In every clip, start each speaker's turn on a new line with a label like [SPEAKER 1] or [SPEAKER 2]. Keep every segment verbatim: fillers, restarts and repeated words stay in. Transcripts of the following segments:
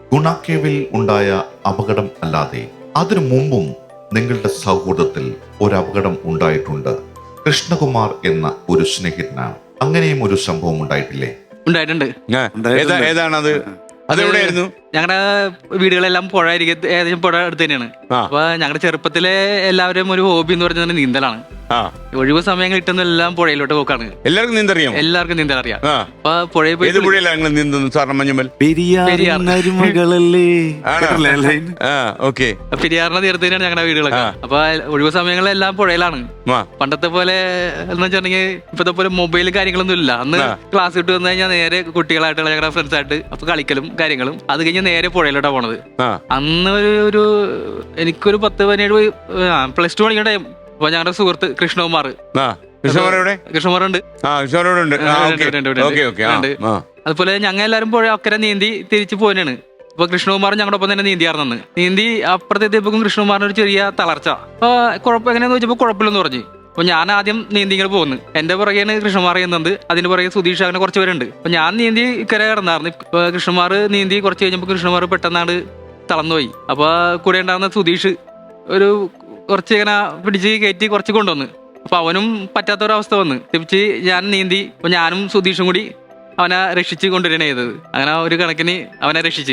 [SPEAKER 1] ഗുണാക്കേവിൽ ഉണ്ടായ അപകടം അല്ലാതെ അതിനു മുമ്പും നിങ്ങളുടെ സൗഹൃദത്തിൽ ഒരു അപകടം ഉണ്ടായിട്ടുണ്ട്. കൃഷ്ണകുമാർ എന്ന ഒരു സ്നേഹിതനാണ്. അങ്ങനെയും ഒരു സംഭവം ഉണ്ടായിട്ടില്ലേ?
[SPEAKER 2] ഉണ്ടായിട്ടുണ്ട്.
[SPEAKER 3] ഏതാണത്? അതെവിടെയായിരുന്നു?
[SPEAKER 2] ഞങ്ങളുടെ വീടുകളെല്ലാം പുഴ ഏകദേശം പുഴ അടുത്ത് തന്നെയാണ്. അപ്പൊ ഞങ്ങളുടെ ചെറുപ്പത്തിലെ എല്ലാവരും ഒരു ഹോബി എന്ന് പറഞ്ഞാൽ നീന്തലാണ്. ഒഴിവ് സമയങ്ങൾ കിട്ടുന്ന എല്ലാം പുഴയിലോട്ട് പോക്കാണ്.
[SPEAKER 3] എല്ലാവർക്കും നീന്തറിയാം?
[SPEAKER 2] എല്ലാവർക്കും നീന്തൽ അറിയാം. അപ്പൊ പുഴയിൽ പോയി
[SPEAKER 3] നീന്തുന്നു സാറിന് മഞ്ഞമ്മൽ?
[SPEAKER 2] പെരിയാറിന്റെ തീരത്ത് തന്നെയാണ് ഞങ്ങളുടെ വീടുകളൊക്കെ. അപ്പൊ ഒഴിവ് സമയങ്ങളെല്ലാം പുഴയിലാണ്. പണ്ടത്തെ പോലെ എന്ന് വെച്ചിട്ടുണ്ടെങ്കിൽ ഇപ്പത്തെ പോലെ മൊബൈൽ കാര്യങ്ങളൊന്നും ഇല്ല. അന്ന് ക്ലാസ് വിട്ട് വന്നു കഴിഞ്ഞാൽ നേരെ കുട്ടികളായിട്ടുള്ള ഞങ്ങളുടെ ഫ്രണ്ട്സ് ആയിട്ട് അപ്പൊ കളിക്കലും കാര്യങ്ങളും അത് കഴിഞ്ഞ് നേരെ പുഴയിലോട്ടാ പോണത്. അന്ന് ഒരു ഒരു എനിക്കൊരു പത്ത് പതിനേഴ് പ്ലസ് ടു പഠിക്കുന്ന ടൈം. അപ്പൊ ഞങ്ങളുടെ സുഹൃത്ത് കൃഷ്ണകുമാർ കൃഷ്ണകുമാർ ഉണ്ട്. അതുപോലെ ഞങ്ങൾ എല്ലാവരും പുഴ അക്കരെ നീന്തി തിരിച്ചു പോകാനാണ്. അപ്പൊ കൃഷ്ണകുമാർ ഞങ്ങളുടെ ഒപ്പം തന്നെ നീന്തിയാർന്നു. നീന്തി അപ്പുറത്തെത്തിയപ്പോഴും കൃഷ്ണകുമാറിന് ഒരു ചെറിയ തളർച്ച. അപ്പൊ കുഴപ്പം എങ്ങനെയാന്ന് വെച്ചപ്പോ കുഴപ്പമില്ലെന്ന് പറഞ്ഞു. അപ്പൊ ഞാൻ ആദ്യം നീന്തി ഇങ്ങനെ പോകുന്നു. എന്റെ പുറകെയാണ് കൃഷ്ണകുമാർ ചെയ്യുന്നത്. അതിന്റെ പുറകെ സുധീഷ് അങ്ങനെ കുറച്ച് പേരുണ്ട്. അപ്പൊ ഞാൻ നീന്തി ഇക്കരെ കിടന്നായിരുന്നു. ഇപ്പൊ കൃഷ്ണകുമാർ നീന്തി കുറച്ച് കഴിഞ്ഞപ്പോ കൃഷ്ണകുമാർ പെട്ടെന്നാണ് തളർന്നുപോയി. അപ്പൊ കൂടെ ഉണ്ടായിരുന്ന സുധീഷ് ഒരു കുറച്ച് ഇങ്ങനെ പിടിച്ച് കയറ്റി കുറച്ച് കൊണ്ടുവന്ന്. അപ്പൊ അവനും പറ്റാത്തൊരവസ്ഥ വന്ന് തിരിച്ച് ഞാൻ നീന്തി. അപ്പൊ ഞാനും സുധീഷും കൂടി അവനെ രക്ഷിച്ച് കൊണ്ടുവരണ ചെയ്തത്. അങ്ങനെ ഒരു കണക്കിന് അവനെ രക്ഷിച്ച്.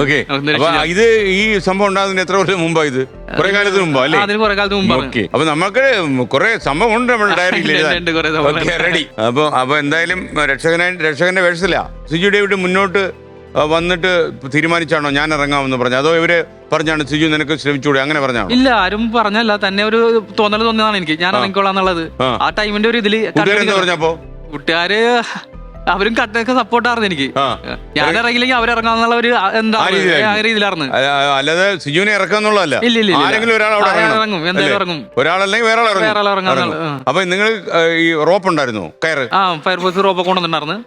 [SPEAKER 3] ഇത് ഈ സംഭവം ഉണ്ടാകുന്നതിന് എത്ര വർഷം മുമ്പാ? ഇത് കുറെ കാലത്തിന് മുമ്പോ അല്ലേ?
[SPEAKER 2] അതിന് കുറെ കാലത്ത് മുമ്പാണ്.
[SPEAKER 3] അപ്പൊ നമുക്ക് കുറെ സംഭവം ഉണ്ട് നമ്മുടെ ഡയറിയിൽ. റെഡി. അപ്പൊ അപ്പൊ എന്തായാലും രക്ഷകനായി രക്ഷകന്റെ വേഷത്തിലാ സിജു ഡേവിഡ് മുന്നോട്ട് വന്നിട്ട് തീരുമാനിച്ചാണോ ഞാൻ ഇറങ്ങാമെന്ന് പറഞ്ഞു? അതോ ഇവര് പറഞ്ഞാണ് സിജു നിനക്ക് ശ്രമിച്ചൂടെ അങ്ങനെ പറഞ്ഞാണോ?
[SPEAKER 2] ഇല്ല, ആരും പറഞ്ഞല്ല. തന്നെ ഒരു തോന്നൽ തോന്നിയതാണ് എനിക്ക്, ഞാൻ ഇറങ്ങിക്കോളാന്നുള്ളത്. ആ ടൈമിന്റെ ഒരു ഇതില്
[SPEAKER 3] പറഞ്ഞപ്പോ കൂട്ടുകാര്
[SPEAKER 2] അവരും കട്ടൊക്കെ സപ്പോർട്ടായിരുന്നു എനിക്ക്. ഞാൻ ഇറങ്ങിയില്ലെങ്കിൽ അവരിറങ്ങാന്നുള്ള ഒരു എന്താ രീതിയിലായിരുന്നു.
[SPEAKER 3] അല്ലാതെ സിജുവിനെ ഇറക്കാന്നുള്ളതല്ല.
[SPEAKER 2] ഇല്ല ഇല്ല,
[SPEAKER 3] ആരെങ്കിലും ഒരാൾ
[SPEAKER 2] ഇറങ്ങും, എന്തായാലും ഇറങ്ങും.
[SPEAKER 3] ഒരാളല്ലെങ്കിൽ വേറെ
[SPEAKER 2] വേറെ ഇറങ്ങാം.
[SPEAKER 3] അപ്പൊ നിങ്ങൾ ഈ റോപ്പ് ഉണ്ടായിരുന്നു? കയറ്?
[SPEAKER 2] ആ, ഫയർഫോഴ്സ് റോപ്പ് കൊണ്ടുവന്നിട്ടുണ്ടായിരുന്നു.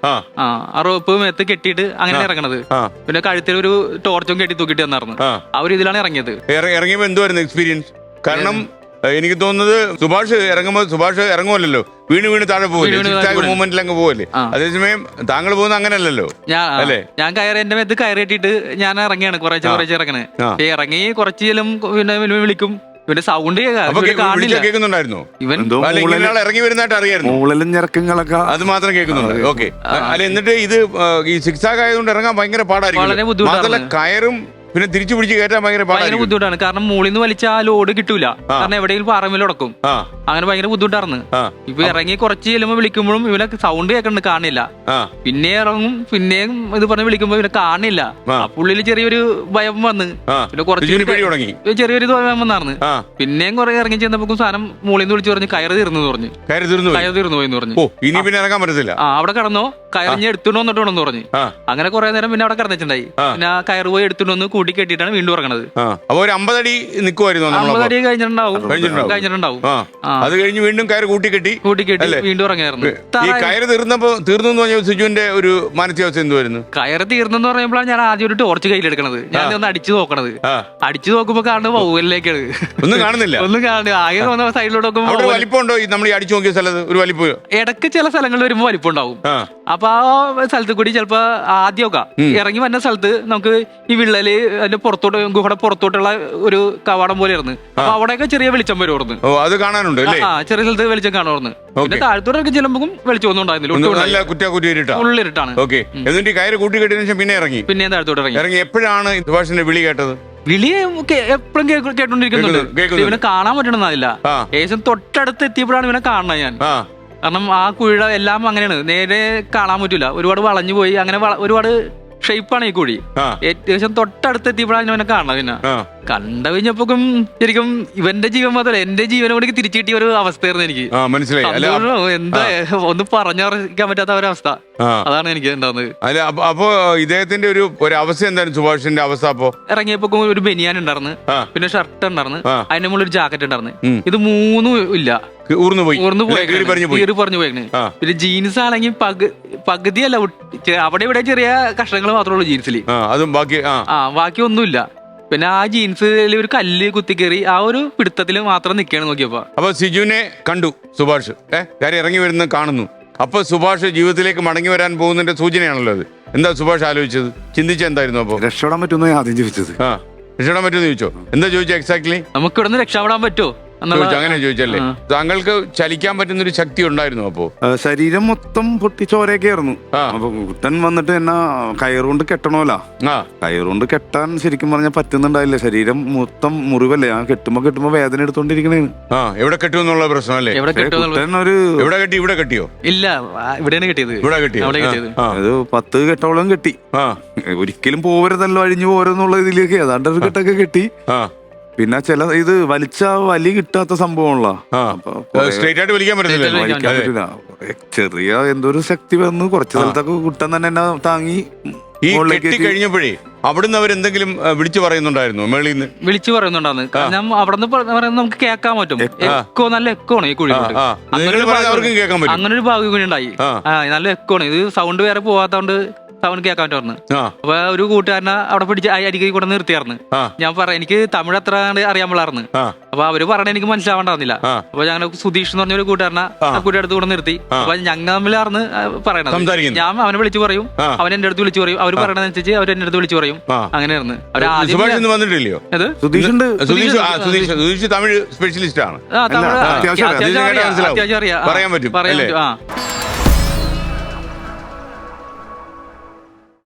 [SPEAKER 2] ആ റോപ്പ് മേത്ത് കെട്ടിയിട്ട് അങ്ങനെ ഇറങ്ങണത്. പിന്നെ കഴുത്തിൽ ഒരു ടോർച്ചും കെട്ടി തൂക്കിട്ട് തന്നായിരുന്നു. ആ ഒരു ഇതിലാണ് ഇറങ്ങിയത്.
[SPEAKER 3] ഇറങ്ങിയപ്പോ എന്തുവായിരുന്നു എക്സ്പീരിയൻസ്? കാരണം എനിക്ക് തോന്നുന്നത് സുഭാഷ് ഇറങ്ങുമ്പോ സുഭാഷ് ഇറങ്ങുമല്ലോ, വീണ് വീണ് താഴെ പോകില്ലേ, മൂവ്മെന്റിൽ അങ്ങ് പോകല്ലേ. അതേസമയം താങ്കൾ പോകുന്ന അങ്ങനെയല്ലോ
[SPEAKER 2] അല്ലേ? ഞാൻ കയറി എന്റെ മേത്ത് കയറി കെട്ടിയിട്ട് ഞാൻ ഇറങ്ങിയാണ് കുറച്ച് കുറച്ച് ഇറങ്ങണേ. ഇറങ്ങി കുറച്ച് ചെല്ലും പിന്നെ വിളിക്കും. ഇവന്റെ സൗണ്ട്
[SPEAKER 3] കേൾക്കുന്നുണ്ടായിരുന്നു. ഇവൻ ഇറങ്ങി വരുന്നതായിട്ട് അറിയായിരുന്നു. അത് മാത്രം കേൾക്കുന്നുണ്ട്. ഓക്കെ. അല്ല, എന്നിട്ട് ഇത് ഈ സിക്സ് ആക്ക് ആയതുകൊണ്ട് ഇറങ്ങാൻ ഭയങ്കര പാടായിരിക്കും. മാത്രമല്ല കയറും പിന്നെ തിരിച്ചു പിടിച്ച് കയറ്റാൻ ഭയങ്കര
[SPEAKER 2] ഭയങ്കര ബുദ്ധിമുട്ടാണ്. കാരണം മുകളിൽ നിന്ന് വലിച്ച ആ ലോഡ് കിട്ടൂല. കാരണം എവിടെയെങ്കിലും പാറമേൽ ഉടക്കും. അങ്ങനെ ഭയങ്കര ബുദ്ധിമുട്ടായിരുന്നു. ഇപ്പൊ ഇറങ്ങി കുറച്ച് ചെല്ലുമ്പോ വിളിക്കുമ്പോഴും ഇവനെ സൗണ്ട് കേൾക്കണ്ട്, കാണില്ല. പിന്നെ ഇറങ്ങും, പിന്നെയും ഇത് പറഞ്ഞ് വിളിക്കുമ്പോ ഇവനെ കാണില്ല. പുള്ളിയിൽ ചെറിയൊരു ഭയം വന്ന് പിന്നെ കുറച്ച് ചെറിയൊരു ഭയം വന്നായിരുന്നു. പിന്നെയും കുറെ ഇറങ്ങി ചെന്നപ്പോ സാധനം മുകളിൽ നിന്ന് വിളിച്ചു പറഞ്ഞ് കയറ് തീർന്നു പറഞ്ഞു. കയറ് തീർന്നു പോയി പറഞ്ഞു.
[SPEAKER 3] ഇനി പിന്നെ ഇറങ്ങാൻ പറ്റത്തില്ല.
[SPEAKER 2] ആ, അവിടെ കടന്നോ, കയറിഞ്ഞ് എടുത്തുകൊണ്ട് വന്നിട്ട് വേണമെന്ന് പറഞ്ഞു. അങ്ങനെ കുറെ നേരം പിന്നെ അവിടെ കിടന്നിട്ടുണ്ടായി. പിന്നെ കയറ് പോയി എടുത്തുകൊണ്ട് വന്ന് കൂട്ടി കെട്ടിട്ടാണ് വീണ്ടും ഇറങ്ങണത്.
[SPEAKER 3] അപ്പൊ ഒരു അമ്പതടി നിൽക്കുമായിരുന്നു.
[SPEAKER 2] അമ്പത് അടി കഴിഞ്ഞിട്ടുണ്ടാവും കഴിഞ്ഞിട്ടുണ്ടാവും
[SPEAKER 3] അത് കഴിഞ്ഞ് വീണ്ടും കയറ് കൂട്ടി കെട്ടി
[SPEAKER 2] കൂട്ടി കെട്ടി വീണ്ടും ഇറങ്ങിയായിരുന്നു.
[SPEAKER 3] ഈ കയറ് തീർന്നപ്പോ തീർന്നു എന്ന് പറഞ്ഞ സിജുവിന്റെ ഒരു മാനസികാവസ്ഥ എന്തുവായിരുന്നു?
[SPEAKER 2] കയറ് തീർന്നെന്ന് പറയുമ്പോഴാണ് ഞാൻ ആദ്യം ഒരു ടോർച്ച് കയ്യിലെടുക്കണത്. ഞാൻ ഒന്ന് അടിച്ചു നോക്കണത്. അടിച്ചു നോക്കുമ്പോ കാണുന്നത് വൗവലിലേക്കാണ്.
[SPEAKER 3] ഒന്നും കാണുന്നില്ല.
[SPEAKER 2] ഒന്നും കാണുന്നില്ല. ആകെ വന്ന സൈഡിലോട്ട് നോക്കുമ്പോ
[SPEAKER 3] വലിപ്പമുണ്ടോ? നമ്മൾ ഈ അടിച്ചു നോക്കിയ സ്ഥലത്ത് ഒരു വലിപ്പം
[SPEAKER 2] ഇടയ്ക്ക് ചില സ്ഥലങ്ങളിൽ വരുമ്പോ വലിപ്പം ഉണ്ടാവും. അപ്പൊ ആ സ്ഥലത്ത് കൂടി ചിലപ്പോ ആദ്യമൊക്കെ ഇറങ്ങി വരുന്ന സ്ഥലത്ത് നമുക്ക് ഈ വിള്ളല് അതിന്റെ പുറത്തോട്ട് ഗുഹയുടെ പുറത്തോട്ടുള്ള ഒരു കവാടം പോലെ ആയിരുന്നു. അപ്പൊ അവിടെയൊക്കെ ചെറിയ വെളിച്ചം വരുമായിരുന്നു.
[SPEAKER 3] അത് കാണാനുണ്ട്.
[SPEAKER 2] ആ, ചെറിയ സ്ഥലത്ത് വെളിച്ചം കാണുമായിരുന്നു. പിന്നെ താഴത്തോട്ടൊക്കെ ചെല്ലുമ്പോൾ വെളിച്ചം ഒന്നും ഉണ്ടായിരുന്നില്ല. ഉള്ളിരിട്ടാണ്.
[SPEAKER 3] എന്നിട്ട് കയറ് കൂട്ടി കെട്ടിയ ശേഷം പിന്നെ ഇറങ്ങി
[SPEAKER 2] പിന്നെ താഴത്തോട്ട് ഇറങ്ങി
[SPEAKER 3] ഇറങ്ങി എപ്പോഴാണ് സുഭാഷിന്റെ വിളി കേട്ടത്?
[SPEAKER 2] വിളി എപ്പോഴും കേട്ടോണ്ടിരിക്കുന്നുണ്ട്. ഇവനെ കാണാൻ പറ്റണമെന്നില്ല. ഏകദേശം തൊട്ടടുത്ത് എത്തിയപ്പോഴാണ് ഇവനെ കാണുന്നത് ഞാൻ. കാരണം ആ കുഴിയുടെ എല്ലാം അങ്ങനെയാണ്, നേരെ കാണാൻ പറ്റൂല. ഒരുപാട് വളഞ്ഞു പോയി, അങ്ങനെ ഒരുപാട് ഷേപ്പാണ് ഈ കുഴി. ഏകദേശം തൊട്ടടുത്ത് എത്തിയപ്പോഴാണ് ഇവനെ കാണുന്നത്. പിന്നെ കണ്ട കഴിഞ്ഞപ്പോഴും ശരിക്കും ഇവന്റെ ജീവൻ മാത്രമല്ല എന്റെ ജീവനെ കൂടി തിരിച്ചു കിട്ടിയ ഒരു അവസ്ഥയായിരുന്നു എനിക്ക്. എന്താ ഒന്ന് പറഞ്ഞറിയിക്കാൻ പറ്റാത്ത ഒരവസ്ഥ. അതാണ് എനിക്ക് ഉണ്ടാവുന്നത്.
[SPEAKER 3] അല്ല, അപ്പൊ ഇദ്ദേഹത്തിന്റെ ഒരു ഒരു അവസ്ഥ എന്തായിരുന്നു സുഭാഷിന്റെ അവസ്ഥ? അപ്പൊ
[SPEAKER 2] ഇറങ്ങിയപ്പോ ഒരു ബനിയാൻ ഉണ്ടായിരുന്നു, പിന്നെ ഷർട്ട് ഉണ്ടായിരുന്നു, അതിന്റെ മുകളിൽ ഒരു ജാക്കറ്റ് ഉണ്ടായിരുന്നു. ഇത് മൂന്നും ഇല്ല,
[SPEAKER 3] ഊർന്നു പോയി
[SPEAKER 2] കീറി പറഞ്ഞു പോയി. പിന്നെ ജീൻസ് ആണെങ്കിൽ പകുതിയല്ല, അവിടെ ഇവിടെ ചെറിയ കഷ്ണങ്ങൾ മാത്രമേ ഉള്ളൂ ജീൻസിൽ.
[SPEAKER 3] അതും ബാക്കി
[SPEAKER 2] ആ ബാക്കി ഒന്നുമില്ല. പിന്നെ ആ ജീൻസിൽ ഒരു കല്ല് കുത്തിക്കേറി ആ ഒരു പിടുത്തത്തിൽ മാത്രം നിൽക്കുകയാണ് നോക്കിയപ്പോ.
[SPEAKER 3] അപ്പൊ സിജുവിനെ കണ്ടു സുഭാഷ്. ഏഹ് കാര്യം ഇറങ്ങി വരുന്ന കാണുന്നു. അപ്പൊ സുഭാഷ് ജീവിതത്തിലേക്ക് മടങ്ങി വരാൻ പോകുന്നതിന്റെ സൂചനയാണല്ലോ അത്. എന്താ സുഭാഷ് ആലോചിച്ചത്, ചിന്തിച്ച എന്തായിരുന്നു? അപ്പൊ
[SPEAKER 4] രക്ഷപ്പെടാൻ പറ്റുമെന്ന് ആദ്യം ചോദിച്ചത്.
[SPEAKER 3] ആ രക്ഷപ്പെടാൻ പറ്റുമെന്ന് ചോദിച്ചോ? എന്താ ചോദിച്ചോ എക്സാക്ട്ലി?
[SPEAKER 2] നമുക്ക് ഇവിടെ നിന്ന് രക്ഷപ്പെടാൻ പറ്റുമോ
[SPEAKER 3] ചോദിച്ചു, അങ്ങനെ ചോദിച്ചല്ലേ? താങ്കൾക്ക് ചലിക്കാൻ പറ്റുന്ന ഒരു ശക്തി ഉണ്ടായിരുന്നു അപ്പോ?
[SPEAKER 4] ശരീരം മൊത്തം പൊട്ടി ചോരയൊക്കെ ആയിരുന്നു. അപ്പൊ കുട്ടൻ വന്നിട്ട് എന്നാ കയറുകൊണ്ട് കെട്ടണമല്ല, കയറുകൊണ്ട് കെട്ടാൻ ശരിക്കും പറഞ്ഞാൽ പറ്റുന്നുണ്ടായില്ല. ശരീരം മൊത്തം മുറിവല്ലേ, ആ കെട്ടുമ്പോ കെട്ടുമ്പോ വേദന എടുത്തോണ്ടിരിക്കണേന്ന്.
[SPEAKER 3] ആ എവിടെ കെട്ടു എന്നുള്ള പ്രശ്നമല്ലേ?
[SPEAKER 4] കുട്ടൻ ഒരു
[SPEAKER 3] എവിടെ കെട്ടി? ഇവിടെ കെട്ടിയോ?
[SPEAKER 2] ഇല്ല, ഇവിടെയാണ് കെട്ടിയത്.
[SPEAKER 3] ഇവിടെ കെട്ടിയോ?
[SPEAKER 4] അത് പത്ത് കെട്ടോളം കെട്ടി. ഒരിക്കലും പോവരുതല്ലോ, അഴിഞ്ഞു പോരെന്നുള്ള ഇതിലേക്ക് ഏതാണ്ട് ഒരു കെട്ടൊക്കെ കെട്ടി. പിന്നെ ചില ഇത് വലിച്ച വലി കിട്ടാത്ത സംഭവമുള്ള
[SPEAKER 3] സ്ട്രൈറ്റ് ആയിട്ട് വലിക്കാൻ പറ്റില്ല.
[SPEAKER 4] ചെറിയ എന്തോ ഒരു ശക്തി വന്ന് കുറച്ച് സ്ഥലത്തൊക്കെ കുട്ടൻ തന്നെ എന്നെ താങ്ങി.
[SPEAKER 3] ഈ കെട്ടി കഴിഞ്ഞപ്പോഴേ അവിടുന്ന് അവരെന്തെങ്കിലും വിളിച്ചു പറയുന്നുണ്ടായിരുന്നു? മേളിൽ നിന്ന്
[SPEAKER 2] വിളിച്ചു പറയുന്നുണ്ടായിരുന്നു. കാരണം അവിടെ നിന്ന് പറയുന്നത് നമുക്ക് കേൾക്കാൻ പറ്റും. എക്കോ, നല്ല എക്കോ ആണ് ഈ കുഴി. അങ്ങനെ ഒരു ഭാഗ്യം കൂടി ഉണ്ടായി. നല്ല എക്കോ ആണ് ഇത്. സൗണ്ട് വേറെ പോവാത്തോണ്ട് സൗണ്ട് കേൾക്കാൻ പറ്റുമായിരുന്നു. അപ്പൊ ഒരു കൂട്ടുകാരനെ അവിടെ പിടിച്ച് അരികെ കൂടെ നിർത്തിയായിരുന്നു. ഞാൻ പറ എനിക്ക് തമിഴ് അത്ര അറിയാൻ പാടായിരുന്നു. അപ്പൊ അവര് പറഞ്ഞ എനിക്ക് മനസ്സിലാവണ്ടായിരുന്നില്ല. അപ്പൊ ഞങ്ങൾ സുധീഷ് എന്ന് പറഞ്ഞ ഒരു കൂട്ടുകാരനെ ആ കുട്ടിയുടെ അടുത്ത് കൂടെ നിർത്തി. അപ്പൊ ഞങ്ങൾ തമ്മിലായിരുന്നു പറയണത്. ഞാൻ അവനെ വിളിച്ചു പറയും, അവൻ എന്റെ അടുത്ത് വിളിച്ചു പറയും, അവര് പറയണതനുസരിച്ച് അവർ എന്റെ അടുത്ത് വിളിച്ചു പറയും. അങ്ങനെയായിരുന്നു.
[SPEAKER 3] വന്നിട്ടില്ലയോ? തമിഴ് സ്പെഷ്യലിസ്റ്റ് ആണ്,
[SPEAKER 2] അത്യാവശ്യം അറിയാം,
[SPEAKER 3] പറയാൻ പറ്റും.
[SPEAKER 2] പറയാൻ പറ്റും.